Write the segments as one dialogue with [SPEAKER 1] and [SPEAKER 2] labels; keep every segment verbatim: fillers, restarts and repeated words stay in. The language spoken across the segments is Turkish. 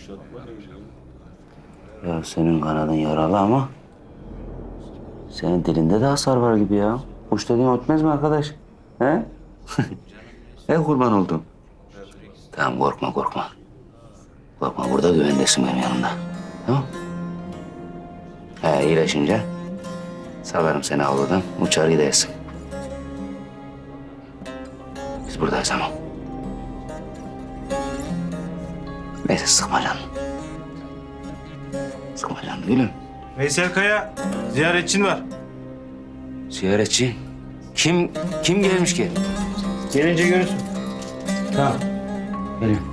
[SPEAKER 1] Ya senin kanadın yaralı ama senin dilinde de hasar var gibi ya. Kuş dediğin ötmez mi arkadaş? He? He kurban oldum. Tamam korkma korkma. Korkma burada güvendesin benim yanımda. Tamam. He iyileşince salarım seni avludan uçar gidersin. Biz buradayız ama. Neyse sıkma canını. Sıkma canını gülüm.
[SPEAKER 2] Veysel Kaya, ziyaretçin var.
[SPEAKER 1] Ziyaretçi. Kim kim gelmiş ki?
[SPEAKER 2] Gelince görürsün.
[SPEAKER 1] Tamam. Geliyorum.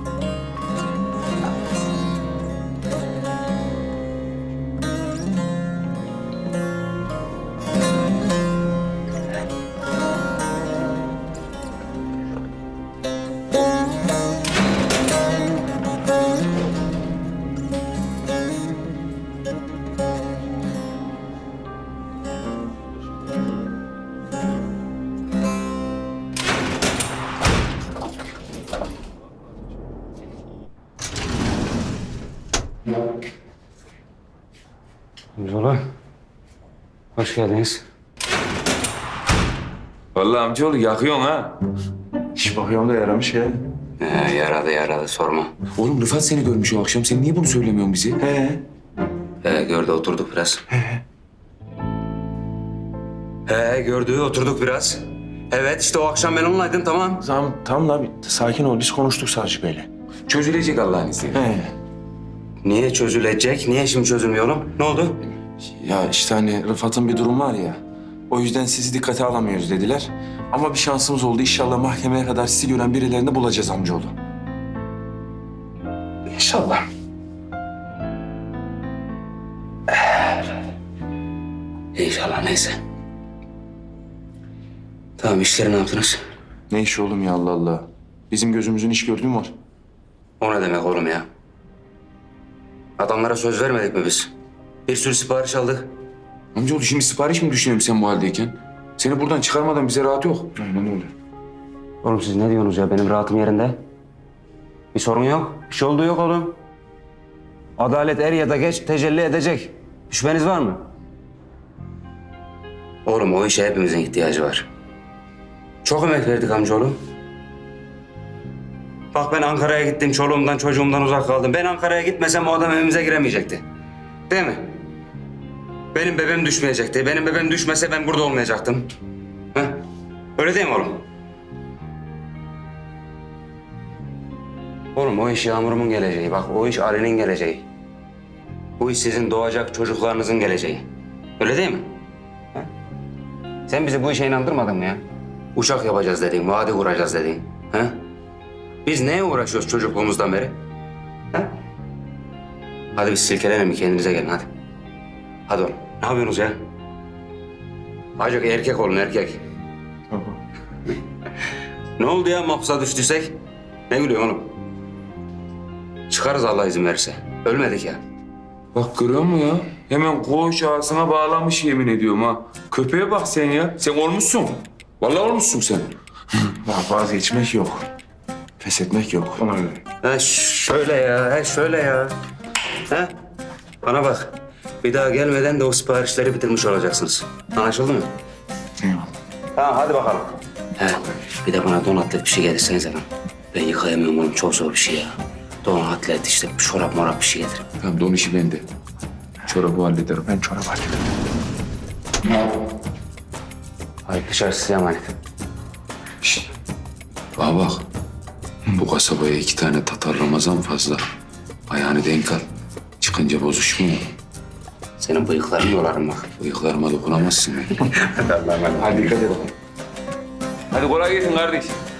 [SPEAKER 1] Amcaoğlu, hoş geldiniz.
[SPEAKER 3] Vallahi amcaoğlu yakıyorsun ha.
[SPEAKER 2] İş bakıyorum da yaramış ya.
[SPEAKER 1] Ee, yaradı yaradı sorma.
[SPEAKER 3] Oğlum Rıfat seni görmüş o akşam. Sen niye bunu söylemiyorsun bize?
[SPEAKER 2] He.
[SPEAKER 1] He gördü oturduk biraz. He gördü oturduk biraz. Evet işte o akşam ben onunlaydım tamam.
[SPEAKER 2] Tamam, tamam da bir sakin ol. Biz konuştuk Savcı Bey'le.
[SPEAKER 3] Çözülecek Allah'ın izniyle.
[SPEAKER 2] He.
[SPEAKER 1] Niye çözülecek? Niye şimdi çözülmüyor oğlum? Ne oldu?
[SPEAKER 2] Ya işte hani Rıfat'ın bir durum var ya. O yüzden sizi dikkate alamıyoruz dediler. Ama bir şansımız oldu. İnşallah mahkemeye kadar sizi gören birilerini bulacağız amcaoğlu. İnşallah.
[SPEAKER 1] İnşallah neyse. Tamam işleri ne yaptınız?
[SPEAKER 2] Ne iş oğlum ya Allah Allah. Bizim gözümüzün iş gördüğü mü var?
[SPEAKER 1] O ne demek oğlum ya? Adamlara söz vermedik mi biz? Bir sürü sipariş aldık.
[SPEAKER 3] Amcaoğlu şimdi sipariş mi düşünüyorum sen bu haldeyken? Seni buradan çıkarmadan bize rahat yok.
[SPEAKER 2] Aynen öyle.
[SPEAKER 1] Oğlum siz ne diyorsunuz ya? Benim rahatım yerinde. Bir sorun yok. Bir şey olduğu yok oğlum. Adalet er ya da geç tecelli edecek. Şüpheniz var mı? Oğlum o işe hepimizin ihtiyacı var. Çok emek verdik amcaoğlu. Bak ben Ankara'ya gittim, çoluğumdan çocuğumdan uzak kaldım. Ben Ankara'ya gitmesem o adam evimize giremeyecekti. Değil mi? Benim bebeğim düşmeyecekti. Benim bebeğim düşmese ben burada olmayacaktım. Heh? Öyle değil mi oğlum? Oğlum o iş Yağmur'umun geleceği. Bak o iş Ali'nin geleceği. Bu iş sizin doğacak çocuklarınızın geleceği. Öyle değil mi? Ha? Sen bizi bu işe inandırmadın mı ya? Uçak yapacağız dedin, vadi kuracağız dedin. Ha? Biz neye uğraşıyoruz çocukluğumuzdan beri? Ha? Hadi biz silkelenelim, kendinize gelin hadi. Hadi oğlum. Ne yapıyorsunuz ya? Azıcık erkek olun erkek. Ne oldu ya mahpusa düştüysek? Ne gülüyorsun oğlum? Çıkarız Allah izin verirse. Ölmedik ya.
[SPEAKER 3] Bak görüyor musun ya? Hemen koğuş ağzına bağlamış yemin ediyorum ha. Köpeğe bak sen ya. Sen olmuşsun. Vallahi olmuşsun sen.
[SPEAKER 2] Ya vazgeçmek yok. Pes etmek yok. Ona göre.
[SPEAKER 1] Ha şöyle ya, ha şöyle ya. Ha? Bana bak. Bir daha gelmeden de o siparişleri bitirmiş olacaksınız. Anlaşıldı mı?
[SPEAKER 2] Eyvallah.
[SPEAKER 1] Tamam hadi bakalım. He, bir de bana donatlık bir şey getirsenize lan. Ben yıkayamıyorum oğlum, çok zor bir şey ya. Donatlet işte, çorap morap bir şey getir.
[SPEAKER 3] Tamam don işi bende. Çorabı hallederim.
[SPEAKER 2] Ben çorap hallederim.
[SPEAKER 1] Hadi dışarı size emanet.
[SPEAKER 3] Şişt. Bana bak. Bu kasabaya iki tane Tatar Ramazan fazla. Ayağını denk al. Çıkınca bozuşma.
[SPEAKER 1] Senin bıyıklarını yolarım bak.
[SPEAKER 3] Bıyıklarıma dokunamazsın.
[SPEAKER 1] Hadi Allah'ım.
[SPEAKER 3] Hadi dikkat et. Hadi kolay gelsin kardeş.